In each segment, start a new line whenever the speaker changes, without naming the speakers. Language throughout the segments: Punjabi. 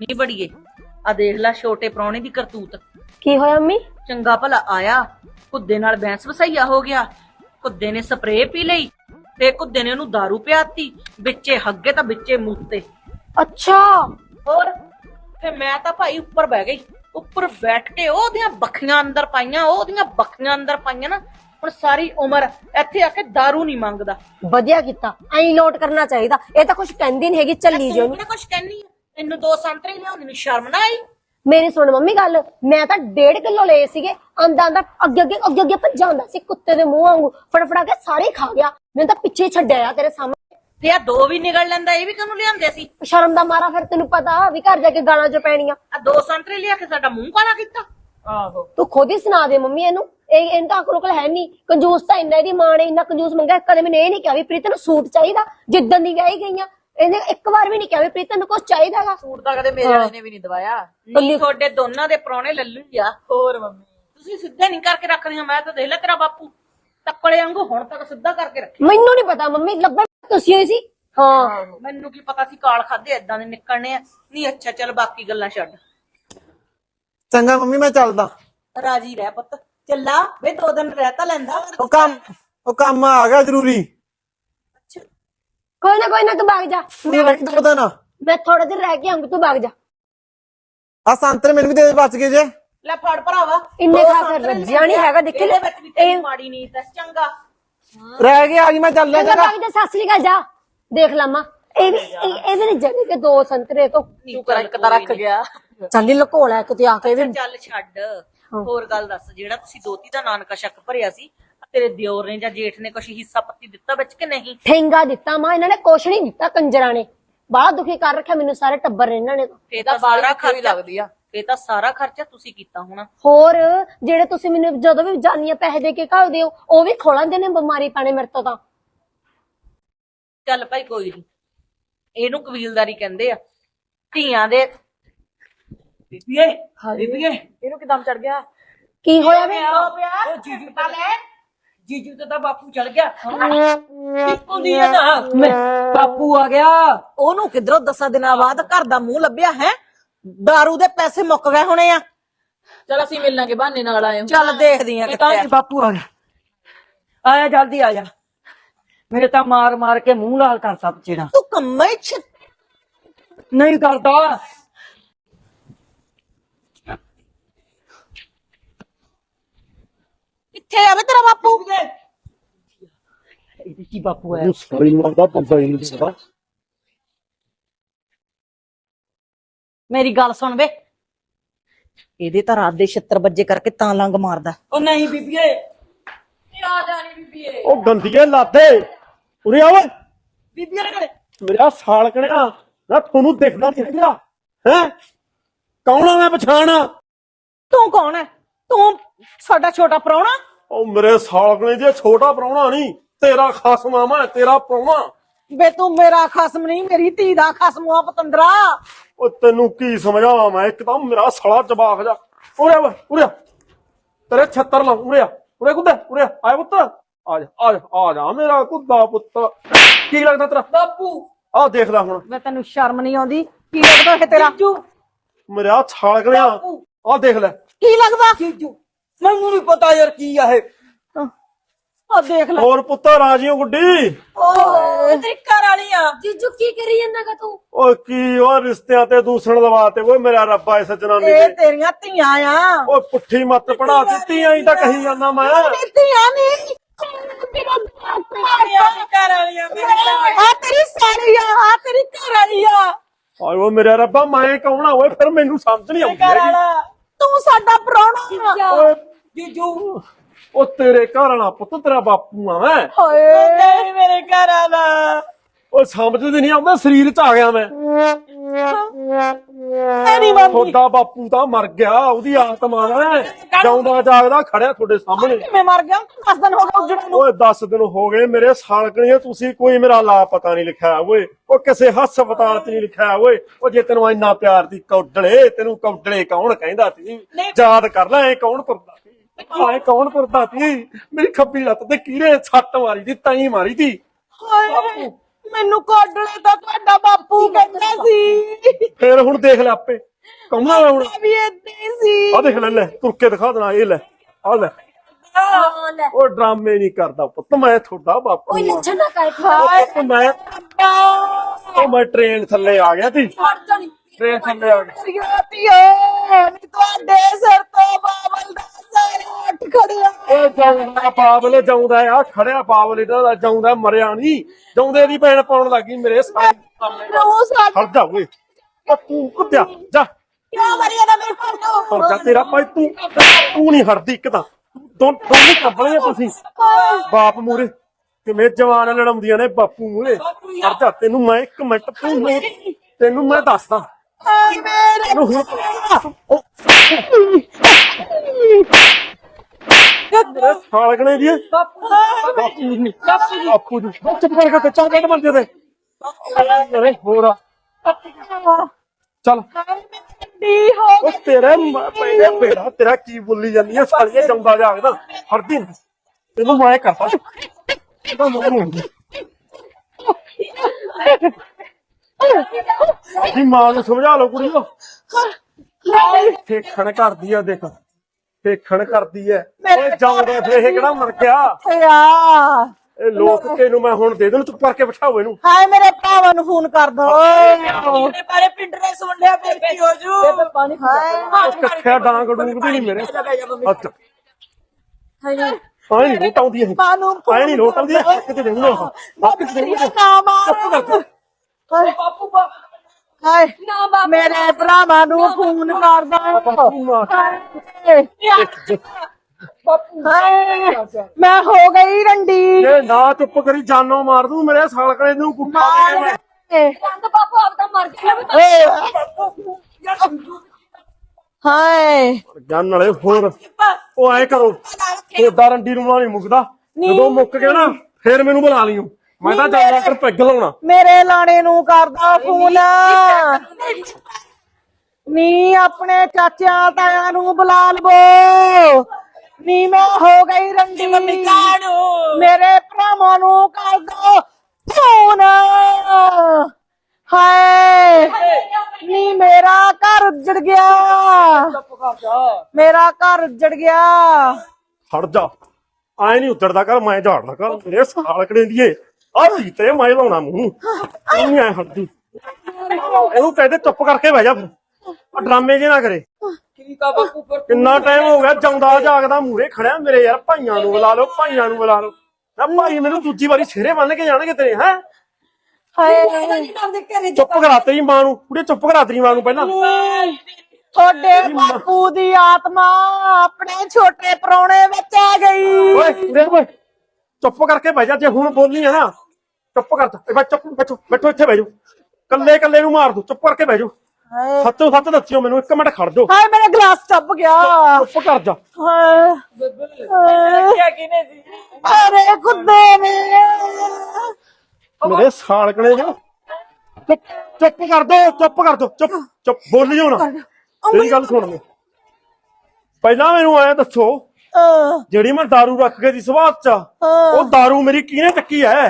ਨੀ ਬੜੀਏ ਆ ਦੇਖ ਲੈ ਛੋਟੇ ਪ੍ਰਾਹੁਣੇ ਦੀ ਕਰਤੂਤ।
ਕੀ ਹੋਇਆ ਮੰਮੀ?
ਚੰਗਾ ਭਲਾ ਆਇਆ, ਕੁੱਦੇ ਨਾਲ ਬੈਂਸ ਵਸਈਆ ਹੋ ਗਿਆ। ਕੁੱਦੇ ਨੇ ਸਪਰੇਅ ਪੀ ਲਈ ਤੇ ਕੁੱਦੇ ਨੇ ਉਹਨੂੰ ਦਾਰੂ ਪਿਆਤੀ, ਵਿੱਚੇ ਹੱਗੇ ਤਾਂ ਵਿੱਚੇ ਮੂਤੇ।
ਅੱਛਾ।
ਹੋਰ ਫੇ ਮੈਂ ਤਾਂ ਭਾਈ ਉੱਪਰ ਬਹਿ ਗਈ। ਉੱਪਰ ਬੈਠ ਕੇ ਉਹਦੀਆਂ ਬੱਖੀਆਂ ਅੰਦਰ ਪਾਈਆਂ, ਉਹਦੀਆਂ ਬੱਖੀਆਂ ਅੰਦਰ ਪਾਈਆਂ ਨਾ। ਹੁਣ ਸਾਰੀ ਉਮਰ ਇੱਥੇ ਆ ਕੇ ਦਾਰੂ ਨਹੀਂ ਮੰਗਦਾ।
ਵਧੀਆ ਕੀਤਾ, ਐਂ ਲੋਟ ਕਰਨਾ ਚਾਹੀਦਾ। ਇਹ ਤਾਂ ਕੁਝ ਕਹਿੰਦੀ ਨਹੀਂ ਹੈਗੀ, ਚੱਲੀ ਜੋ।
ਤੂੰ ਕੁਛ ਕਹਿੰਨੀ ਆ? ਤੈਨੂੰ 2 ਸੰਤਰੇ ਲਿਆਉਣ ਨੂੰ ਸ਼ਰਮ ਨਾ ਆਈ?
ਮੇਰੀ ਸੁਣ ਮੰਮੀ ਗੱਲ, ਮੈਂ ਤਾਂ 1.5 ਕਿਲੋ ਲਏ ਸੀਗੇ। ਆਂਦਾ ਅੱਗੇ ਭੱਜਾ ਹੁੰਦਾ ਸੀ ਕੁੱਤੇ ਦੇ ਮੂੰਹ ਵਾਂਗੂ, ਫੜਫੜਾ ਕੇ ਸਾਰੇ ਖਾ ਗਿਆ। ਮੈਨੂੰ ਤਾਂ ਪਿੱਛੇ ਛੱਡਿਆ ਤੇਰੇ ਸਾਹਮਣੇ।
ਤੇ ਆ 2 ਵੀ ਨਿਕਲ ਲੈਂਦਾ, ਇਹ ਵੀ ਕਾਹਨੂੰ ਲਿਆਂਦੇ ਸੀ?
ਸ਼ਰਮ ਦਾ ਮਾਰਾ, ਫਿਰ ਤੈਨੂੰ ਪਤਾ ਵੀ ਘਰ ਜਾ ਕੇ ਗਾਲਾਂ ਚ ਪੈਣੀਆਂ।
ਆ 2 ਸੰਤਰੇ ਲਿਆ ਕੇ ਸਾਡਾ ਮੂੰਹ ਕਾਲਾ ਕੀਤਾ। ਆਹੋ
ਤੂੰ ਖੁਦ ਹੀ ਸੁਣਾ ਦੇ ਮੰਮੀ ਇਹਨੂੰ। ਇਹਨੂੰ ਤਾਂ ਅਕਲ ਹੈ ਨਹੀਂ। ਕੰਜੂਸ ਤਾਂ ਇੰਨਾ, ਇਹਦੀ ਮਾਂ ਨੇ ਇੰਨਾ ਕੰਜੂਸ ਮੰਗਿਆ। ਕਦੇ ਮੈਨੂੰ ਇਹ ਨਹੀਂ ਕਿਹਾ ਵੀ ਪ੍ਰੀਤ ਨੂੰ ਸੂਟ ਚਾਹੀਦਾ। ਜਿੱਦਣ ਦੀ ਵਿਆਹੀ ਗਈਆਂ ਇਹਨੇ ਇੱਕ ਵਾਰ ਵੀ ਨਹੀਂ ਕਿਹਾ ਵੀ ਪ੍ਰੀਤ ਨੂੰ ਕੁਝ ਚਾਹੀਦਾਗਾ।
ਸੂਟ ਤਾਂ ਕਦੇ ਮੇਰੇ ਵਾਲੇ ਨੇ ਵੀ ਨਹੀਂ ਦਵਾਇਆ। ਨਹੀਂ ਤੁਹਾਡੇ ਦੋਨਾਂ ਦੇ ਪ੍ਰਾਹੁਣੇ ਲੱਲੂ ਆ। ਹੋਰ ਮੰਮੀ ਤੁਸੀਂ ਸਿੱਧੇ ਨਹੀਂ ਕਰਕੇ ਰੱਖਦੀਆਂ। ਮੈਂ ਤਾਂ ਦੇਖ ਲੈ ਤੇਰਾ ਬਾਪੂ ਤੱਕੜੇ ਵਾਂਗੂ ਹੁਣ ਤੱਕ ਸਿੱਧਾ ਕਰਕੇ ਰੱਖਿਆ।
ਮੈਨੂੰ ਨਹੀਂ ਪਤਾ ਮੰਮੀ, ਲੱਭਾ ਤੁਸੀਂ ਹੋਈ ਸੀ। ਹਾਂ
ਮੈਨੂੰ ਕੀ ਪਤਾ ਸੀ ਕਾਲ ਖਾਦੇ ਏਦਾਂ ਦੇ ਨਿਕਲਣੇ ਆ। ਨਹੀਂ ਅੱਛਾ ਚੱਲ ਬਾਕੀ ਗੱਲਾਂ ਛੱਡ।
ਚੰਗਾ ਮੰਮੀ ਮੈਂ ਚੱਲਦਾ।
ਰਾਜੀ ਰਹਿ ਪੁੱਤ, ਚੱਲਾ ਵੇ 2 ਦਿਨ ਰਹਿ ਤਾਂ ਲੈਂਦਾ।
ਉਹ ਕੰਮ ਆ ਗਿਆ ਜ਼ਰੂਰੀ।
ਕੋਈ ਨਾ ਤੂੰ ਭਾਗ ਜਾ।
ਪਤਾ ਨਾ
ਮੈਂ ਥੋੜੇ ਦਿਨ ਰਹਿ ਕੇ ਆਉਂਗੀ, ਤੂੰ ਭਾਗ ਜਾ।
ਆ ਸੰਤਰੇ ਮੈਨੂੰ ਵੀ ਦੇ ਬਚ ਗਏ ਜੇ।
ਲੈ ਫੜ ਭਰਾਵਾ,
ਇੰਨੇ ਖਾ ਕੇ ਰੱਜਿਆ ਨਹੀਂ ਹੈਗਾ। ਦੇਖੀ
ਇਹਦੇ ਵਿੱਚ ਵੀ ਤੇਰੀ ਮਾੜੀ ਨੀਤ ਹੈ। ਚੰਗਾ
ਰਹਿ ਗਿਆ ਅੱਜ ਮੈਂ ਚੱਲਿਆ।
ਚੰਗਾ ਭਾਗ ਜਾ, ਸਾਸਰੀ ਕਾ ਜਾ। ਦੇਖ ਲਮਾ ਇਹ ਵੀ ਜਗੇ ਕੇ 2 ਸੰਤਰੇ ਤੋਂ
ਤੂੰ ਕਰ ਇੱਕ ਤਾਂ ਰੱਖ ਗਿਆ।
ਚੱਲ ਹੀ ਲਕੋਲਾ ਕਿਤੇ ਆ ਕੇ।
ਚੱਲ ਛੱਡ, ਹੋਰ ਗੱਲ ਦੱਸ। ਜਿਹੜਾ ਤੁਸੀਂ ਦੋਤੀ ਦਾ ਨਾਨਕਾ ਸ਼ੱਕ ਭਰਿਆ ਸੀ, ਤੇਰੇ ਦਿਓਰ ਨੇ ਜਾਂ ਜੇਠ ਨੇ ਕੁਛ ਹਿੱਸਾ ਪੱਤੀ ਦਿੱਤਾ ਵਿੱਚ ਕਿ ਨਹੀਂ?
ਠੇਂਗਾ ਦਿੱਤਾ ਮਾਂ, ਇਹਨਾਂ ਨੇ ਕੁਛ ਨਹੀਂ ਦਿੱਤਾ। ਕੰਜਰਾਂ ਨੇ ਬਾਹਲਾ ਦੁਖੀ ਕਰ ਰੱਖਿਆ ਮੈਨੂੰ, ਸਾਰੇ ਟੱਬਰ ਨੇ ਇਹਨਾਂ ਨੇ।
ਫੇਰ ਤਾਂ ਸਾਰਾ ਖਰਚਾ ਲੱਗਦੀ ਆ। ਫੇਰ ਤਾਂ ਸਾਰਾ ਖਰਚਾ ਤੁਸੀਂ ਕੀਤਾ ਹੋਣਾ।
ਹੋਰ ਜਿਹੜੇ ਤੁਸੀਂ ਮੈਨੂੰ ਜਦੋਂ ਵੀ ਜਾਨੀਆਂ ਪੈਸੇ ਦੇ ਕੇ ਘੱਲਦੇ ਹੋ, ਉਹ ਵੀ ਖੋਲਾਂਦੇ ਨੇ ਬਿਮਾਰੀ ਪਾਣੇ ਮੇਰੇ ਤੋਂ ਤਾਂ।
ਚੱਲ ਭਾਈ ਕੋਈ ਨੀ, ਇਹਨੂੰ ਕਬੀਲਦਾਰੀ ਕਹਿੰਦੇ ਆ। ਧੀਆਂ ਦੇ ਬੀਬੀਏ ਇਹਨੂੰ ਕਿਦਾਂ ਚੜ ਗਿਆ?
ਕੀ ਹੋਇਆ ਵੇ?
ਉਹ ਜੀਜੂ ਤਾਂ ਲੈ, ਜੀਜੂ ਤੇ ਤਾਂ ਬਾਪੂ ਚੜ ਗਿਆ। ਕਿੱਪੋਂਦੀ ਆ ਨਾ ਬਾਪੂ ਆ ਗਿਆ। ਉਹਨੂੰ ਕਿਧਰੋਂ 10 ਦਿਨਾਂ ਬਾਅਦ ਘਰ ਦਾ ਮੂੰਹ ਲੱਭਿਆ ਹੈ। ਦਾਰੂ ਦੇ ਪੈਸੇ ਮੁੱਕ ਗਏ ਹੋਣੇ ਆ।
ਚਲ ਅਸੀਂ ਮਿਲਣਾਂਗੇ, ਬਹਾਨੇ ਨਾਲ ਆਏ
ਚੱਲ ਦੇਖਦੀ ਆ ਕਿੱਥੇ
ਬਾਪੂ ਆ ਗਿਆ। ਆਇਆ ਜਲਦੀ ਆ ਜਾ, ਮੇਰੇ ਤਾਂ ਮਾਰ ਮਾਰ ਕੇ ਮੂੰਹ ਲਾਲ ਕਰਤਾ ਚਿਹਰਾ।
ਤੂੰ ਕੰਮਾਂ ਚ
ਨਹੀਂ ਕਰਦਾ।
ਕਿੱਥੇ ਆਵੇ ਤੇਰਾ ਬਾਪੂ?
ਇਹਦੇ ਕੀ ਬਾਪੂ ਆਇਆ?
ਸਾਰੀ ਮਾਰਦਾ ਬੰਦਾ ਹੀ ਨਹੀਂ ਪਤਾ।
ਮੇਰੀ ਗੱਲ ਸੁਣ ਵੇ, ਇਹਦੇ ਤਾਂ ਰਾਤ ਦੇ 76 ਵਜੇ ਕਰਕੇ ਤਾਂ ਲੰਗ ਮਾਰਦਾ।
ਉਹ ਨਹੀਂ ਬੀਬੀਏ, ਆ ਜਾ ਨੀ ਬੀਬੀਏ।
ਉਹ ਗੰਦੀਏ ਲਾਦੇ ਉਰੇ ਆ ਓਏ।
ਬੀਬੀਏ ਨੇ
ਮੇਰਾ ਸਾਲ ਕਣਿਆ ਨਾ, ਤੁਹਾਨੂੰ ਦਿਖਦਾ ਨਹੀਂ ਹੈਗਾ ਹੈ? ਕੌਣ ਆ ਮੈਂ ਪਛਾਣ?
ਤੂੰ ਕੌਣ ਹੈ? ਤੂੰ ਸਾਡਾ ਛੋਟਾ ਪ੍ਰਾਹੁਣਾ?
ਉਹ ਮੇਰੇ ਸਾਲ ਕਣੇ ਜੇ ਛੋਟਾ ਪ੍ਰਾਹੁਣਾ ਨਹੀਂ, ਤੇਰਾ ਖਸਮ ਆ ਮੈਂ, ਤੇਰਾ ਪ੍ਰਾਹੁਣਾ।
ਵੇ ਤੂੰ ਮੇਰਾ ਖਸਮ ਨਹੀਂ, ਮੇਰੀ ਧੀ ਦਾ ਖਸਮ ਆ ਪਤੰਦਰਾ।
ਉਹ ਤੈਨੂੰ ਕੀ ਸਮਝਾਵਾਂ ਮੈਂ? ਇੱਕ ਤਾਂ ਮੇਰਾ ਸਾਲਾ ਜਵਾਕ ਜਾ। ਉਰੇ ਓਏ ਉਰੇ, ਤੇਰੇ 76 ਲਾ। ਉਰੇ ਕੁੱਦਾ ਉਰੇ ਆਏ ਪੁੱਤ, ਆ ਜਾ ਮੇਰਾ ਕੁੱਦਾ ਪੁੱਤ। ਕੀ ਲੱਗਦਾ ਤੇਰਾ
ਬਾਪੂ?
ਆਹ ਦੇਖ ਲੈ ਹੁਣ।
ਵੇ ਤੈਨੂੰ ਸ਼ਰਮ ਨਹੀਂ ਆਉਂਦੀ? ਕੀ ਲੱਗਦਾ ਹੈ ਤੇਰਾ?
ਮੇਰਾ ਸਾਲ ਕਣਿਆ ਆਹ ਦੇਖ ਲੈ।
ਕੀ ਲੱਗਦਾ?
ਜੀਜੂ ਮੈਨੂੰ ਨਹੀਂ ਪਤਾ ਯਾਰ ਕੀ ਆ ਇਹ।
ਆ ਦੇਖ ਲੈ।
ਹੋਰ ਪੁੱਤ ਰਾਜੀਓ ਗੁੱਡੀ।
ਓਏ ਤੇਰੀ ਘਰ ਵਾਲੀ ਆ।
ਜੀਜੂ ਕੀ ਕਰੀ ਜਾਂਦਾਗਾ ਤੂੰ?
ਓ ਕੀ ਉਹ ਰਿਸ਼ਤਿਆਂ ਤੇ ਦੂਸਣ ਲਵਾਤੇ ਓਏ ਮੇਰਾ ਰੱਬਾ ਇਸ ਜਨਾਨੀ
ਇਹ
ਦੇ।
ਤੇਰੀਆਂ ਧੀਆਂ ਆ।
ਓਏ ਪੁੱਠੀ ਮੱਤ ਪੜਾ ਦਿੱਤੀ ਆਈ ਤਾਂ ਕਹੀ ਜਾਂਦਾ ਮੈਂ।
ਮੇਰੀ ਧੀਆਂ ਨਹੀਂ,
ਘਰ ਵਾਲੀ ਆ ਮੇਰੀ।
ਆ ਤੇਰੀ ਸਾਲੀ ਆ, ਆ ਤੇਰੀ ਘਰ ਵਾਲੀ ਆ।
ਆਏ ਓ ਮੇਰਾ ਰੱਬਾ ਮੈਂ ਕੌਣ ਆ ਓਏ? ਫਿਰ ਮੈਨੂੰ ਸਮਝ ਨਹੀਂ ਆਉਂਦੀ
ਘਰ
ਹੈਗੀ।
ਵਾਲਾ
ਤੂੰ ਸਾਡਾ ਪ੍ਰਾਹੁਣਾ।
ਓਏ
ਜੀਜੂ।
ਉਹ ਤੇਰੇ ਘਰ ਵਾਲਾ ਪੁੱਤ, ਤੇਰਾ ਬਾਪੂ ਆ ਮੈਂ।
ਹਾਏ
ਤੇਰੀ ਮੇਰੇ ਘਰ ਵਾਲਾ।
ਓਏ ਸਮਝਦੇ ਨਹੀਂ ਆਉਂਦਾ, ਸਰੀਰ ਚ ਆ ਗਿਆ ਮੈਂ।
ਤੇਰੀ ਮੰਮੀ
ਤੁਹਾਡਾ ਬਾਪੂ ਤਾਂ ਮਰ ਗਿਆ, ਉਹਦੀ ਆਤਮਾ ਹੈ ਜਾਉਂਦਾ ਜਾਗਦਾ ਖੜਿਆ ਤੁਹਾਡੇ ਸਾਹਮਣੇ।
ਕਿਵੇਂ ਮਰ ਗਿਆ? 10 ਦਿਨ ਹੋ ਗਏ ਉੱਜਣ ਨੂੰ।
ਓਏ 10 ਦਿਨ ਹੋ ਗਏ ਮੇਰੇ ਸਾਲਕਣੀਏ, ਤੁਸੀਂ ਕੋਈ ਮੇਰਾ ਲਾਪਤਾ ਨਹੀਂ ਲਿਖਿਆ ਓਏ। ਉਹ ਕਿਸੇ ਹਸਪਤਾਲ ਚ ਨਹੀਂ ਲਿਖਿਆ ਓਏ। ਉਹ ਜੇ ਤੈਨੂੰ ਇੰਨਾ ਪਿਆਰ ਦੀ ਕੌਡਲੇ, ਤੈਨੂੰ ਕੌਡਲੇ ਕੌਣ ਕਹਿੰਦਾ ਸੀ? ਯਾਦ ਕਰ ਲੈ, ਇਹ ਕੌਣ ਤੁਰਦਾ ਸੀ? ਆਏ ਕੌਣ ਤੁਰਦਾ ਸੀ? ਮੇਰੀ ਖੱਬੀ ਲੱਤ ਤੇ ਕੀੜੇ ਸੱਟ ਮਾਰੀ ਦੀ, ਤਾਈ ਮਾਰੀ ਦੀ।
ਹਾਏ ਮੈਨੂੰ ਕੋਡਲੇ ਤਾਂ ਤੁਹਾਡਾ ਬਾਪੂ ਕਹਿੰਦਾ ਸੀ।
ਫੇਰ ਹੁਣ ਦੇਖ ਲੈ ਆਪੇ ਕੌਣਾ ਹੁਣ
ਵੀ ਏਦਾਂ ਹੀ ਸੀ।
ਆ ਦੇਖ ਲੈ ਤੁਰ ਕੇ ਦਿਖਾ ਦੇਣਾ ਇਹ ਲੈ ਆ ਲੈ
ਹਾਂ ਲੈ
ਉਹ ਡਰਾਮੇ ਨਹੀਂ ਕਰਦਾ ਪੁੱਤ ਮੈਂ ਤੁਹਾਡਾ ਬਾਪੂ
ਕੋਈ
ਆ।
ਲੱਛਣ ਨਾ ਕਰ
ਪੁੱਤ ਮੈਂ ਟ੍ਰੇਨ ਥੱਲੇ ਆ ਗਿਆ ਤੀ ਟ੍ਰੇਨ ਥੱਲੇ ਆ ਗਿਆ
ਤੁਹਾਡੇ ਸਿਰ ਤੋਂ ਬਾਬਲ ਦਾ ਸਾਰਾ ਉੱਠ ਖੜਿਆ।
ਉਹ ਜਾਉਂਦਾ ਬਾਬਲ ਜਾਉਂਦਾ ਆ ਖੜਿਆ ਬਾਬਲ ਦਾ ਜਾਉਂਦਾ ਮਰਿਆ ਨਹੀਂ ਜਾਉਂਦੇ ਦੀ ਭੈਣ ਪਾਉਣ ਲੱਗੀ ਮੇਰੇ ਸਾਹਮਣੇ
ਉਹ ਸਾਡਾ
ਹਟ ਜਾ ਓਏ ਉਹ ਤੂੰ ਕੁੱਤਿਆ ਜਾ
ਕਿਉਂ ਮਰਿਆ ਨਾ ਮੇਰੇ ਕੋਲ ਤੋਂ?
ਹਟ ਜਾ ਤੇਰਾ ਭਾਈ ਤੂੰ ਨਹੀਂ ਹਟਦੀ ਇੱਕ ਤਾਂ ਦੋਨੇ ਕੰਬਲੇ ਤੁਸੀਂ ਬਾਪ ਮੂਰੇ ਕਿਵੇਂ ਜਵਾਨ ਲੜਾਉਂਦੀਆਂ ਨੇ ਬਾਪੂ ਮੂਰੇ ਹਟ ਜਾ ਤੈਨੂੰ ਮੈਂ 1 ਮਿੰਟ ਤੈਨੂੰ ਮੈਂ ਦੱਸਦਾ
ਹਾਏ ਮੇਰੇ
ਤੈਨੂੰ ਹੁਣ ਮੇਰੇ ਸਾਲਗਣੇ ਦੀ ਬਾਪੂ ਜੀ ਚੁੱਪ ਕਰਕੇ ਤੇ ਚਾਂਗੜ ਬੰਦੇ ਤੇ ਅਰੇ ਹੋਰ ਚੱਲ
ਡੀ ਹੋ
ਉਹ ਤੇਰੇ ਪਹਿਲੇ ਬੇੜਾ ਤੇਰਾ ਕੀ ਬੋਲੀ ਜਾਂਦੀ ਹੈ ਸਾਲੀਏ ਜੰਦਾ ਜਾਗਦਾ ਹਰਦੀ ਤੈਨੂੰ ਮੈਂ ਕਰਦਾ ਇਹਦਾ ਮੂੰਹ ਦੀ ਮਾਂ ਨੂੰ ਸਮਝਾ ਲਓ ਕੁੜੀਓ ਠੇਖਣ ਕਰਦੀ ਆ ਦੇਖ ਠੇਖਣ ਕਰਦੀ ਐ ਓਏ ਜਾਉਂਦਾ ਫੇਰ ਇਹ ਕਿਹੜਾ ਮਰ ਗਿਆ
ਆ
ਇਹ ਲੋਕ ਤੈਨੂੰ ਮੈਂ ਹੁਣ ਦੇ ਦੇਣ ਚੁੱਪ ਕਰਕੇ ਬਿਠਾਓ ਇਹਨੂੰ
ਹਾਏ ਮੇਰੇ ਭਰਾਵਾਂ ਨੂੰ ਫੋਨ ਕਰ ਦੋ ਮੇਰੇ ਬਾਰੇ ਪਿੰਡ ਨੇ ਸੁਣ ਲਿਆ ਫਿਰ ਕੀ ਹੋ ਜੂ ਪਾਣੀ ਹਾਏ
ਕੱਖਿਆ ਡਾਂਗ ਡੂੰਗਦੀ ਨਹੀਂ ਮੇਰੇ ਅੱਛਾ ਆਈ ਨਹੀਂ ਲੋਟ ਆਉਂਦੀ ਇਹ
ਮਾਨੂੰ
ਆਈ ਨਹੀਂ ਲੋਟ ਆਉਂਦੀ ਹੈ ਕਿਤੇ ਦੇਉਂ ਨਾ ਹੱਕ ਚ ਦੇਉਂ
ਨਾ ਮਾਰ ਬਾਪੂ ਹਾਏ
ਨਾ ਬਾਬਾ
ਮੇਰੇ ਭਰਾਵਾਂ ਨੂੰ ਫੋਨ ਕਰਦਾ ਮੈਂ ਹੋ ਗਈ ਰੰਡੀ
ਜੇ ਨਾ ਚੁੱਪ ਕਰੀ ਜਾਨੋਂ ਮਾਰ ਦੂੰ ਮੇਰੇ ਸਾਲਕਣੇ ਨੂੰ ਕੁੱਟਾ ਦੇ ਮੈਂ
ਰੰਗ ਬਾਪੂ ਆਪ ਤਾਂ ਮਰ ਗਿਆ
ਹਾਏ
ਜਾਨ ਵਾਲੇ ਹੋਰ ਉਹ ਐ ਕਰੋ ਤੁਹਾਡਾ ਰੰਡੀ ਨੂੰ ਨਹੀਂ ਮੁੱਕਦਾ ਜਦੋਂ ਮੁੱਕ ਗਿਆ ਨਾ ਫੇਰ ਮੈਨੂੰ ਬੁਲਾ ਲਿਓ ਮੈਂ ਤਾਂ ਜਾਂਦਾ ਕਰ ਪੈਗ ਲਾਉਣਾ
ਮੇਰੇ ਲਾਣੇ ਨੂੰ ਕਰਦਾ ਫੋਨ ਨੀ ਆਪਣੇ ਚਾਚਿਆਂ ਤਾਇਆਂ ਨੂੰ ਬੁਲਾ ਲਵੋ ਨੀ ਮੈਂ ਹੋ ਗਈ ਰੰਡੀ ਮੇਰੇ ਭਰਾਵਾਂ ਨੂੰ ਕਰ ਦੋ ਫੋਨ ਹਾਏ ਨੀ ਮੇਰਾ ਘਰ ਉੱਜੜ ਗਿਆ ਮੇਰਾ ਘਰ ਉੱਜੜ ਗਿਆ
ਹਟ ਜਾ ਆਏ ਨਹੀਂ ਉੱਤਰਦਾ ਕਰ ਮੈਂ ਝਾੜਦਾ ਕਰ ਮੇਰੇ ਸਾਲਕਣੇ ਦੀਏ ਆ ਤੇ ਮੈਂ ਲਾਉਣਾ ਮੂੰਹ ਨਹੀਂ ਐ ਹਟਦੀ ਇਹਨੂੰ ਕਹਿੰਦੇ ਚੁੱਪ ਕਰਕੇ ਬਹਿ ਜਾ ਫਿਰ ਆ ਡਰਾਮੇ ਜੇ ਨਾ ਕਰੇ
ਠੀਕ ਆ ਬਾਪੂ ਫਿਰ
ਕਿੰਨਾ ਟਾਈਮ ਹੋ ਗਿਆ ਜਾਉਂਦਾ ਜਾਗਦਾ ਮੂਰੇ ਖੜਿਆ ਮੇਰੇ ਯਾਰ ਭਾਈਆਂ ਨੂੰ ਬੁਲਾ ਲਓ ਭਾਈਆਂ ਨੂੰ ਬੁਲਾ ਲਓ ਨਾ ਭਾਈ ਮੈਨੂੰ ਦੂਜੀ ਵਾਰੀ ਸਿਹਰੇ ਬੰਨ ਕੇ ਜਾਣਗੇ ਤੇਰੇ ਹੈ
ਹਾਏ
ਚੁੱਪ ਕਰਾ ਤੇਰੀ ਮਾਂ ਨੂੰ ਕੁੜੇ ਚੁੱਪ ਕਰਾ ਤੇਰੀ ਮਾਂ ਨੂੰ ਪਹਿਲਾਂ
ਤੁਹਾਡੇ ਬਾਪੂ ਦੀ ਆਤਮਾ ਆਪਣੇ ਛੋਟੇ ਪ੍ਰਾਹੁਣੇ ਵਿੱਚ ਆ ਗਈ
ਓਏ ਦੇਖ ਓਏ ਚੁੱਪ ਕਰਕੇ ਬਹਿ ਜਾ ਜੇ ਹੁਣ ਬੋਲਨੀ ਹੈ ਨਾ ਚੁੱਪ ਕਰ ਜਾ ਚੁੱਪ ਬੈਠੋ ਇੱਥੇ ਬਹਿ ਜਾਓ ਕੱਲੇ ਕੱਲੇ ਨੂੰ ਮਾਰ ਦੋ ਚੁੱਪ ਕਰਕੇ ਬਹਿ ਜਾਓ
ਹਾਏ
ਸੱਚੋ ਸੱਚ ਦੱਸਿਓ ਮੈਨੂੰ 1 ਮਿੰਟ ਖੜ ਜਾਓ
ਹਾਏ ਮੇਰਾ ਗਲਾਸ ਚੱਪ ਗਿਆ
ਚੁੱਪ ਕਰ ਜਾ
ਹਾਏ
ਕਿਆ ਕਿਨੇ ਸੀ
ਅਰੇ ਖੁੱਦੇ ਨੇ
ਮੇਰੇ ਸਾਲਕਣੇ ਜੋ ਚੁੱਪ ਕਰ ਦੋ ਚੁੱਪ ਬੋਲਿਓ ਨਾ ਤੇਰੀ ਗੱਲ ਸੁਣ ਲੈ ਪਹਿਲਾਂ ਮੈਨੂੰ ਐ ਦੱਸੋ ਜਿਹੜੀ ਮੈਂ दारू ਰੱਖ ਕੇ ਦੀ ਸਵਾਦ ਚ ਉਹ दारू ਮੇਰੀ ਕਿਹਨੇ ਚੱਕੀ ਐ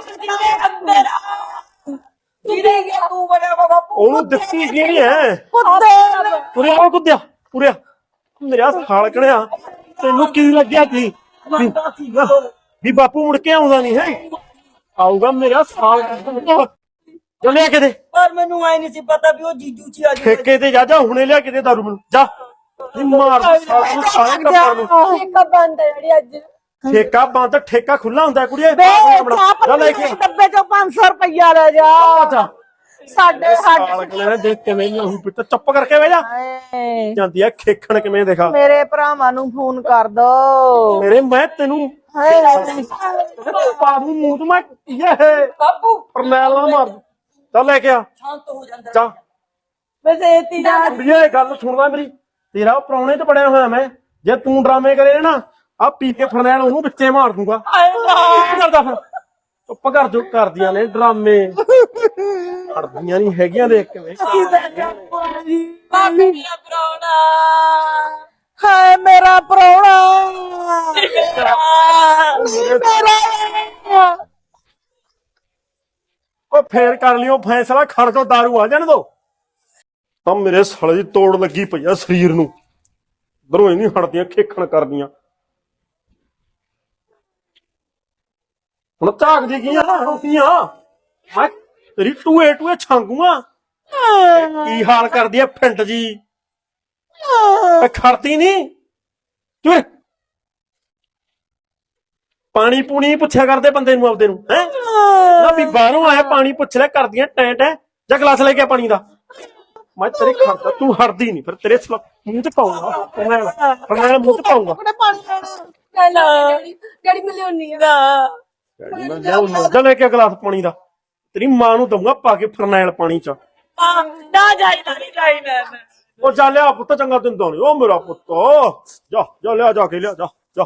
ਕਿਹਦੇ ਗਿਆ ਤੂੰ ਬੜਾ ਬਾਪੂ
ਉਹਨੂੰ ਦਿੱਤੀ ਕਿਹਨੇ ਐ
ਖੁੱਦੇ
ਪੁਰਿਆ ਮੇਰਾ ਸਾਲਕਣਿਆ ਤੈਨੂੰ ਕੀ ਲੱਗਿਆ ਸੀ ਵੀ ਬਾਪੂ ਮੁੜ ਕੇ ਆਉਂਦਾ ਨਹੀਂ ਹੈ ਆਊਗਾ ਮੇਰਾ ਸਾਲ ਜਲਿਆ ਕਿਤੇ
ਪਰ ਮੈਨੂੰ ਐ ਨਹੀਂ ਸੀ ਪਤਾ ਵੀ ਉਹ ਜੀਜੂ ਚ ਆ ਜੀ
ਠੇਕੇ ਤੇ ਜਾ ਹੁਣੇ ਲਿਆ ਕਿਤੇ दारू ਮੈਨੂੰ ਜਾ ਨੀ ਮਾਰ ਸਾਲ ਨੂੰ ਸਾਰੇ ਟੱਬਰ ਨੂੰ
ਇੱਕ ਬੰਦ ਹੈ ਜਿਹੜੀ ਅੱਜ
ਠੇਕਾ ਬੰਦ ਠੇਕਾ ਖੁੱਲਾ ਹੁੰਦਾ ਕੁੜੀਏ
ਬੇ
ਜਾ ਲੈ ਕੇ
ਡੱਬੇ ਚੋਂ 500 ਰੁਪਇਆ ਲੈ ਜਾ
ਜਾ
ਸਾਡੇ
ਸਾਲਕਣੇ ਨੇ ਦੇਖ ਕਿਵੇਂ ਨਹੀਂ ਪਿੱਟ ਚੁੱਪ ਕਰਕੇ ਬਹਿ ਜਾ
ਹਾਏ
ਜਾਂਦੀ ਆ ਖੇਖਣ ਕਿਵੇਂ ਦੇਖਾ
ਮੇਰੇ ਭਰਾਵਾਂ ਨੂੰ ਫੋਨ ਕਰ ਦੋ
ਮੇਰੇ ਮੈਂ ਤੈਨੂੰ
ਹਾਏ
ਪਾਬੂ ਮੂੰਹ ਤੋਂ ਮੈਂ ਇਹ
ਬਾਪੂ
ਪਰਨੈਲ ਨਾਲ ਮਾਰ ਦੂੰ। ਚੱਲ ਲੈ ਕੇ ਆ
ਸ਼ਾਂਤ ਹੋ ਜਾਂਦਾ
ਜਾ
ਵੈਸੇ ਇਤੀ ਜਾ
ਕੁੜੀਏ ਗੱਲ ਸੁਣਦਾ ਮੇਰੀ ਤੇਰਾ ਉਹ ਪ੍ਰਾਹੁਣੇ ਚ ਬੜਿਆ ਹੋਇਆ ਮੈਂ ਜੇ ਤੂੰ ਡਰਾਮੇ ਕਰੇ ਨਾ ਆ ਪੀ ਕੇ ਫਰਨੈਲ ਉਹਨੂੰ ਵਿੱਚੇ ਮਾਰ ਦੂੰਗਾ ਕੀ ਕਰਦਾ ਫਿਰ ਚੁੱਪ ਕਰ ਜੋ ਕਰਦੀਆਂ ਨੇ ਡਰਾਮੇ ਹੜਦੀਆਂ ਨਹੀਂ ਹੈਗੀਆਂ ਦੇਖ ਕਿਵੇਂ
ਬਾਪੂ ਦੀਆਂ ਪ੍ਰਾਹੁਣਾ
ਹਾਏ ਮੇਰਾ ਪ੍ਰਾਹੁਣਾ ਮੇਰਾ
ਓ ਫੇਰ ਕਰ ਲਿਓ ਫੈਸਲਾ, ਖੜ ਤੋਂ ਦਾਰੂ ਆ ਜਾਣ ਦੋ। ਤਾਂ ਮੇਰੇ ਸਾਲੇ ਦੀ ਤੋੜ ਲੱਗੀ ਪਈ ਆ ਸਰੀਰ ਨੂੰ, ਦਰੋਂ ਹੀ ਨਹੀਂ ਹਟਦੀਆਂ ਖੇਖਣ ਕਰਦੀਆਂ। ਹੁਣ ਝਾਕਦੀ ਕੀ ਆ ਰੋਟੀਆਂ, ਮੈਂ ਤੇਰੀ ਟੂਏ ਟੂਏ ਛਾਂਗੂਆਂ। ਕੀ ਹਾਲ ਕਰਦੀ ਆ ਫਿੰਟ ਜੀ, ਖੜਦੀ ਨਹੀਂ। ਚੁਰ ਪਾਣੀ ਪੂਣੀ ਪੁੱਛਿਆ ਕਰਦੇ ਬੰਦੇ ਨੂੰ ਆਪਦੇ ਨੂੰ, ਹੈ ਨਾ ਵੀ ਬਾਹਰੋਂ ਆਇਆ ਪਾਣੀ ਪੁੱਛ ਲੈ, ਕਰਦੀਆਂ ਟੈਂ ਟੈਂ। ਜਾਂ ਗਲਾਸ ਲੈ ਕੇ ਆ ਪਾਣੀ ਦਾ। ਮੈਂ ਤੇਰੇ ਖੜਦਾ, ਤੂੰ ਹਟਦੀ ਨਹੀਂ, ਫਿਰ ਤੇਰੇ ਮੂੰਹ ਚ ਪਾਉਂਗਾ, ਫਰਨੈਲ ਮੂੰਹ ਚ ਪਾਉਂਗਾ।
ਡੈਡੀ ਮੈਂ ਲਿਆਉਣੀ ਆ।
ਜਾ ਲੈ ਕੇ ਗਲਾਸ ਪਾਣੀ ਦਾ, ਤੇਰੀ ਮਾਂ ਨੂੰ ਦਊਂਗਾ ਪਾ ਕੇ ਫਰਨੈਲ ਪਾਣੀ ਚ।
ਨਾ ਜਾਈ ਮੈਂ
ਉਹ ਜਾ ਲਿਆ ਪੁੱਤ, ਚੰਗਾ ਦਿੰਦਾ ਨੀ ਉਹ ਮੇਰਾ ਪੁੱਤ। ਜਾ ਜਾ ਲਿਆ, ਜਾ ਕੇ ਲਿਆ, ਜਾ ਜਾ।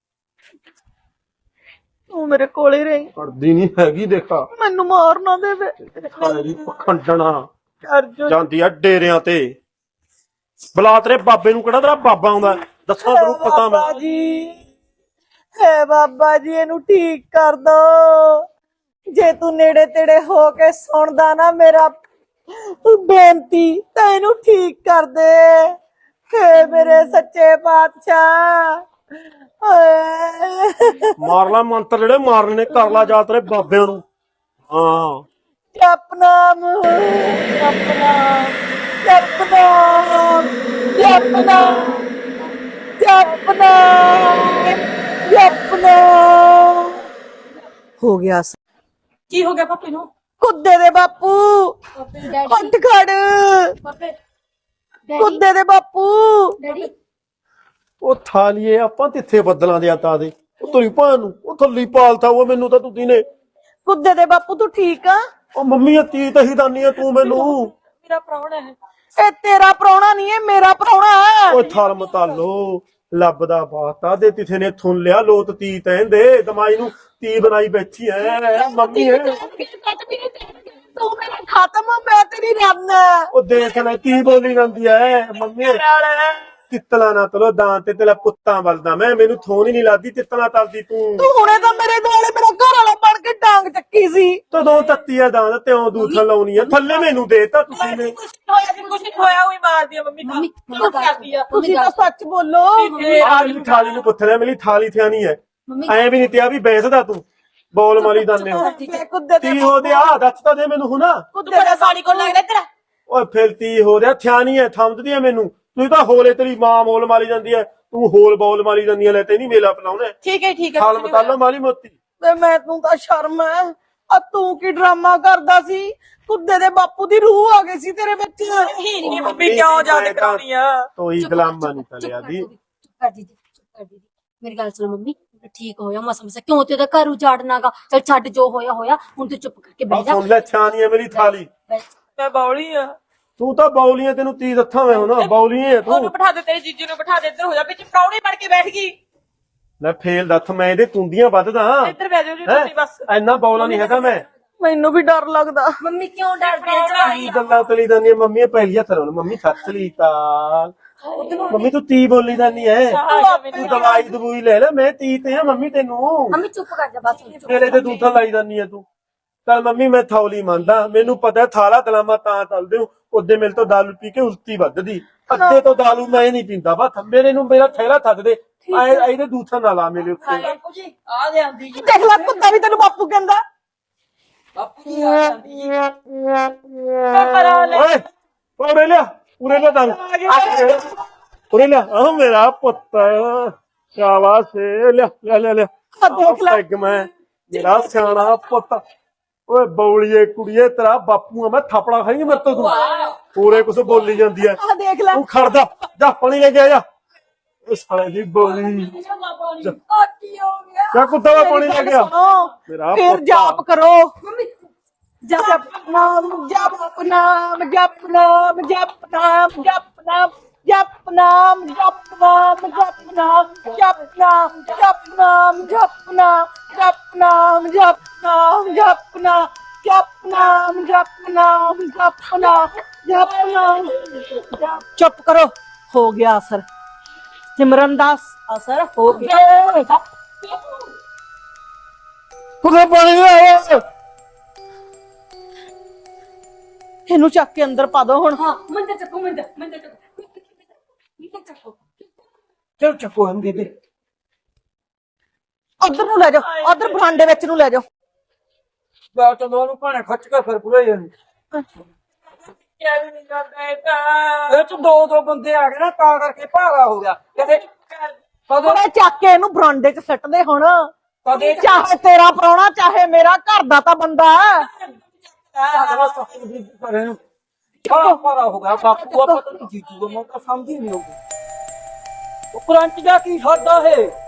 ਤੂੰ ਮੇਰੇ ਕੋਲੇ ਰਹੀ,
ਹਟਦੀ ਨਹੀਂ ਹੈਗੀ, ਦੇਖਾ
ਮੈਨੂੰ ਮਾਰ ਨਾ ਦੇਵੇ।
ਖਾਣੇ ਦੀ ਪਖੰਡਣਾ
ਕਰ ਜੋ
ਜਾਂਦੀ ਆ ਡੇਰਿਆਂ ਤੇ। ਬੁਲਾ ਤੇਰੇ ਬਾਬੇ ਨੂੰ, ਕਿਹੜਾ ਤੇਰਾ ਬਾਬਾ ਆਉਂਦਾ ਦੱਸਾਂ ਤੈਨੂੰ ਪਤਾ ਮੈਂ।
ਹੈ ਬਾਬਾ ਜੀ, ਇਹਨੂੰ ਠੀਕ ਕਰ ਦੋ। ਜੇ ਤੂੰ ਨੇੜੇ ਤੇੜੇ ਹੋ ਕੇ ਸੁਣਦਾ ਨਾ ਮੇਰਾ ਬੇਨਤੀ, ਤਾਂ ਇਹਨੂੰ ਠੀਕ ਕਰ ਦੇ। ਹੈ ਮੇਰੇ ਸੱਚੇ ਪਾਤਸ਼ਾਹ।
ਮਾਰ ਲਾ ਮੰਤਰ ਜਿਹੜੇ ਮਾਰਨੇ ਨੇ, ਕਰ ਲਾ ਜਾ ਤੇਰੇ ਬਾਬਿਆਂ ਨੂੰ। ਹਾਂ
ਜਪ ਨਾਮ, ਜਪ ਨਾਮ, ਜਪ ਨਾਮ, ਜਪ ਨਾਮ, ਜਪ ਨਾਮ, ਜਪ ਨਾਮ। ਹੋ ਗਿਆ।
ਕੀ ਹੋ ਗਿਆ ਪਾਪੇ ਨੂੰ?
ਕੁੱਦੇ ਦੇ ਬਾਪੂ, ਉੱਠ ਖੜ।
ਪਾਪੇ
ਕੁੱਦੇ ਦੇ ਬਾਪੂ।
ਡੈਡੀ
ਉਹ ਥਾਲੀਏ ਆਪਾਂ ਤਿੱਥੇ ਬੱਦਲਾਂ ਦੇ ਆਤਾ ਦੇ, ਉਹ ਤੇਰੀ ਭਾਂ ਨੂੰ ਉਹ ਥੱਲੀ ਪਾਲਤਾ। ਉਹ ਮੈਨੂੰ ਤਾਂ ਤੂੰ ਨੇ।
ਕੁੱਦੇ ਦੇ ਬਾਪੂ ਤੂੰ ਠੀਕ ਆ?
ਉਹ ਮੰਮੀ ਤੀ ਤਹੀ ਦਾਨੀ ਆ ਤੂੰ ਮੈਨੂੰ।
ਮੇਰਾ ਪ੍ਰਾਹੁਣਾ ਹੈ ਇਹ, ਤੇਰਾ ਪ੍ਰਾਹੁਣਾ ਨਹੀਂ ਹੈ, ਮੇਰਾ ਪ੍ਰਾਹੁਣਾ ਹੈ।
ਓਏ ਥਲ ਮਤਾਲੋ ਲੱਭਦਾ ਬਾਤਾ ਦੇ, ਤਿਥੇ ਨੇ ਥੁੰਨ ਲਿਆ ਲੋਤ ਤੀ ਤੈਂਦੇ ਦਮਾਈ ਨੂੰ ਤੀ ਬਣਾਈ ਬੈਠੀ ਐ ਮੰਮੀ।
ਤੂੰ ਮੇਰਾ ਖਤਮ, ਮੈਂ ਤੇਰੀ ਰੰਨ।
ਉਹ ਦੇਖ ਲੈ ਤੀ ਬੋਲੀ ਜਾਂਦੀ ਐ ਮੰਮੀ। ਤਿੱਤਲਾ ਨਾ ਤਲੋ ਦਾਂ ਤੇ ਤੇਲਾ ਪੁੱਤਾਂ ਵੱਲਦਾ ਮੈਂ, ਮੈਨੂੰ ਥੋਨ ਹੀ ਨਹੀਂ ਲੱਗਦੀ ਤਿੱਤਲਾ ਤਲਦੀ ਤੂੰ।
ਤੂੰ ਹੁਣੇ ਤਾਂ ਮੇਰੇ ਦੁਆਲੇ ਮੇਰਾ ਘਰ ਵਾਲਾ ਬਣ ਕੇ ਡਾਂਗ ਚੱਕੀ ਸੀ।
ਤਦੋਂ ਤੱਤੀ ਆ ਦਾਂ ਤਿਉਂ ਦੂਥਾ ਲਾਉਣੀ ਆ, ਥੱਲੇ ਮੈਨੂੰ ਦੇਤਾ ਤੁਸੀਂ ਨੇ।
ਕੁਛ ਹੋਇਆ ਹੋਈ ਮਾਰਦੀ ਆ ਮੰਮੀ। ਤੁਸੀਂ ਤਾਂ ਸੱਚ ਬੋਲੋ।
ਆਲੀ ਥਾਲੀ ਨੂੰ ਪੁੱਛ ਲਿਆ, ਮੇਰੀ ਥਾਲੀ ਥਿਆਣੀ ਐ। ਐ ਵੀ ਨਹੀਂ ਤਿਆ ਵੀ ਬੈਸਦਾ ਤੂੰ ਬੋਲ ਮਾਰੀ ਦਾਨੇ ਹੋ। ਤੀ ਹੋ ਦਿਆ ਦੱਸ ਤਾਂ ਦੇ ਮੈਨੂੰ ਹੁਣਾ।
ਕੁੱਦੇ ਦਾ ਸਾੜੀ ਕੋਲ ਲੱਗਦਾ ਤੇਰਾ।
ਓਏ ਫਿਰ ਤੀ ਹੋ ਦਿਆ ਥਿਆਣੀ ਐ, ਥੰਮਦੀ ਐ ਮੈਨੂੰ। ਤੂੰ ਤਾਂ ਹੋਲੇ ਤੇਰੀ ਮਾਂ ਮੋਲ ਮਾਰੀ ਜਾਂਦੀ ਐ, ਤੂੰ ਹੋਲ ਬੋਲ ਮਾਰੀ ਜਾਂਦੀ ਐ। ਲੈ ਤੇ ਨਹੀਂ ਮੇਲਾ ਪਲਾਉਣਾ।
ਠੀਕ ਹੈ
ਖਾਲ ਮਤਾਲੋ ਮਾਲੀ ਮੋਤੀ।
ਤੇ ਮੈਂ ਤੂੰ ਤਾਂ ਸ਼ਰਮ ਐ। ਆ ਤੂੰ ਕੀ ਡਰਾਮਾ ਕਰਦਾ ਸੀ? ਕੁੱਦੇ ਦੇ ਬਾਪੂ ਦੀ ਰੂਹ ਆ ਗਈ ਸੀ ਤੇਰੇ ਵਿੱਚ।
ਨਹੀਂ ਮੰਮੀ ਕਿਉਂ ਯਾਦ ਕਰਾਉਣੀ ਆ? ਤੋਈ ਗਲਾਮਾ ਨਹੀਂ ਤਲਿਆ ਦੀ।
ਮੇਰੀ ਗੱਲ ਸੁਣ ਮੰਮੀ, ਠੀਕ ਹੋਇਆ ਮਸਾ ਕਿਉਂ ਤੇ ਉਹਦਾ ਘਰ ਉਜਾੜਨਾਗਾ। ਚਲ ਛੱਡ, ਜੋ ਹੋਇਆ ਹੋਇਆ, ਹੁਣ ਤੂੰ ਚੁੱਪ ਕਰਕੇ ਬਹਿ ਜਾ।
ਸੁਣ ਲੈ ਛਾਨੀ ਐ ਮੇਰੀ ਥਾਲੀ।
ਮੈਂ ਬੌਲੀ ਆ।
ਤੂੰ ਤਾਂ ਬੌਲੀ ਐ, ਤੈਨੂੰ ਤੀ ਦੱਥਾਂ ਮੈਂ ਹੁਣ ਬੌਲੀ ਐ ਤੂੰ।
ਉਹਨੂੰ ਬਿਠਾ ਦੇ, ਤੇਰੇ ਜੀਜੂ ਨੂੰ ਬਿਠਾ ਦੇ। ਇੱਧਰ ਹੋ ਜਾ, ਵਿੱਚ ਪ੍ਰਾਹੁਣੇ ਬਣ ਕੇ ਬੈਠ ਗਈ।
ਲੈ ਫੇਲ ਦੱਥ, ਮੈਂ ਇਹਦੇ ਕੁੰਡੀਆਂ ਵੱਧਦਾ।
ਇੱਧਰ ਬਹਿ ਜਾਓ ਜੀ ਤੁਸੀਂ ਬਸ।
ਐਨਾ ਬੌਲਾ ਨਹੀਂ ਹੈਗਾ ਮੈਂ।
ਮੈਨੂੰ ਵੀ ਡਰ ਲੱਗਦਾ।
ਮੰਮੀ ਕਿਉਂ ਡਰਦੀ ਹੈ?
ਕੀ ਗੱਲਾਂ ਤਲੀ ਜਾਂਦੀਆਂ ਮੰਮੀ ਪਹਿਲੀਆਂ ਤਰ੍ਹਾਂ ਮੰਮੀ ਸੱਤ ਸ੍ਰੀ ਅਕਾਲ। ਮੰਮੀ ਤੂੰ ਤੀ ਬੋਲੀ ਜਾਂਦੀ ਐ, ਤੂੰ ਦਵਾਈ ਦਵੂਈ ਲੈ ਲੈ। ਮੈਂ ਤੀ ਤੇ ਆ ਮੰਮੀ ਤੈਨੂੰ।
ਮੰਮੀ ਚੁੱਪ ਕਰ ਜਾ ਬਸ।
ਮੇਰੇ ਤੇ ਦੂਥਾ ਲਾਈ ਜਾਂਦੀ ਐ ਤੂੰ। ਚੱਲ ਮੰਮੀ ਮੈਂ ਥੌਲੀ ਮੰਨਦਾ, ਮੈਨੂੰ ਪਤਾ ਥਾਲਾ ਦਲਾਮਾ ਤਾਂ ਚੱਲਦੇ ਹੋ। ਉਹਦੇ ਮੇਰੇ ਤੋਂ ਦਾਰੂ ਪੀ ਕੇ ਉਲਟੀ ਵੱਧਦੀ। ਅੱਧੇ ਤੋਂ ਦਾਰੂ ਮੈਂ ਨਹੀਂ ਪੀਂਦਾ ਵਾ, ਮੇਰੇ ਨੂੰ ਮੇਰਾ ਥੈਲਾ ਥੱਕ ਦੇ। ਇਹਦੇ ਦੂਥਾ ਨਾ ਲਾ ਮੇਰੇ ਉੱਤੇ।
ਬਾਪੂ ਜੀ ਆ ਜਾਂਦੀ ਜੀ, ਦੇਖ ਲੈ ਕੁੱਤਾ ਵੀ ਤੈਨੂੰ ਬਾਪੂ ਕਹਿੰਦਾ। ਬਾਪੂ ਜੀ ਆ ਜਾਂਦੀ।
ਓਏ ਉਰੇ ਲਿਆ, ਉਰੇ ਲਿਆ ਦਾਰੂ, ਉਰੇ ਲਿਆ। ਆਹ ਮੇਰਾ ਪੁੱਤ ਸ਼ਾਬਾਸ਼, ਲਿਆ ਲਿਆ ਲਿਆ ਲਿਆ।
ਦੇਖ ਲੈ
ਮੈਂ ਮੇਰਾ ਸਿਆਣਾ ਪੁੱਤ। ਓਏ ਬੌਲੀਏ ਕੁੜੀਏ, ਤੇਰਾ ਬਾਪੂ ਆ ਮੈਂ, ਥਾਪੜਾ ਖਾਏਂਗੀ ਮੇਰੇ ਤੋਂ ਤੂੰ। ਪੂਰੇ ਕੁਛ ਬੋਲੀ ਜਾਂਦੀ ਐ।
ਆ ਦੇਖ ਲੈ।
ਤੂੰ ਖੜਦਾ ਜਾ, ਪਾਣੀ ਲੈ ਕੇ ਆ ਜਾ। ਇਸ ਸਾਲੇ ਦੀ ਬੋਲੀ ਕਿਆ ਕੁੱਤਾ ਵਾ ਪਾਣੀ ਲੈ ਗਿਆ। ਮੇਰਾ
ਫਿਰ
ਪੁੱਤ।
ਜਾਪ ਕਰੋ। ਜਪ ਨਾਮ, ਜਪ ਨਾਮ, ਜਪ ਨਾਮ, ਜਪ ਨਾਮ, ਜਪ ਨਾਮ, ਜਪ ਨਾਮ, ਜਪ ਨਾਮ, ਜਪ ਨਾਮ, ਜਪ ਨਾਮ, ਜਪ ਨਾਮ, ਜਪ ਨਾਮ, ਜਪ ਨਾਮ, ਜਪ ਨਾਮ, ਜਪ ਨਾਮ, ਜਪ ਨਾਮ, ਜਪ ਨਾਮ, ਜਪ ਨਾਮ, ਜਪ ਨਾਮ। ਚੁੱਪ ਕਰੋ, ਹੋ ਗਿਆ ਅਸਰ। ਸਿਮਰਨ ਦਾ ਅਸਰ ਹੋ ਗਿਆ।
ਕੁੱਤਾ ਪਾਣੀ ਲੈ
ਇਹਨੂੰ ਚੱਕ ਕੇ ਅੰਦਰ ਪਾ ਦੋ ਹੁਣ।
ਹਾਂ ਮੰਜਾ ਚੱਕੋ ਮੰਜਾ ਚੱਕੋ ਚਲੋ ਚੱਕੋ ਹਮ ਬੇਬੇ
ਉਧਰ ਨੂੰ ਲੈ ਜਾਓ, ਉਧਰ ਬਰਾਂਡੇ ਵਿੱਚ ਨੂੰ ਲੈ ਜਾਓ।
ਬਾਤ ਤੋਂ ਉਹਨੂੰ ਭਾਣੇ ਖੱਚ ਕੇ ਫਿਰ ਪੂਰਾ ਇਹ ਚ ਦੋ ਬੰਦੇ ਆ ਗਏ ਨਾ ਤਾਂ ਕਰਕੇ ਭਾਰਾ ਹੋ ਗਿਆ ਕਦੇ
ਉਹਨੇ ਚੱਕ ਕੇ ਇਹਨੂੰ ਬਰਾਂਡੇ 'ਚ ਸੱਟ ਦੇ ਹੁਣ।
ਕਦੇ
ਚਾਹੇ ਤੇਰਾ ਪ੍ਰਾਹੁਣਾ ਚਾਹੇ ਮੇਰਾ ਘਰ ਦਾ ਤਾਂ ਬੰਦਾ ਹੈ।
ਭਾਰਾ ਹੋ ਗਿਆ ਬਾਪੂ ਆਪਾਂ ਤਾਂ ਜੀਜੂ ਦਾ ਮੌਕਾ ਸਮਝ ਹੀ ਨਹੀਂ ਆਉਂਦੀ ਉਹ ਕਰੰਟ ਜਾ ਕੀ ਸਾਡਾ ਹੈ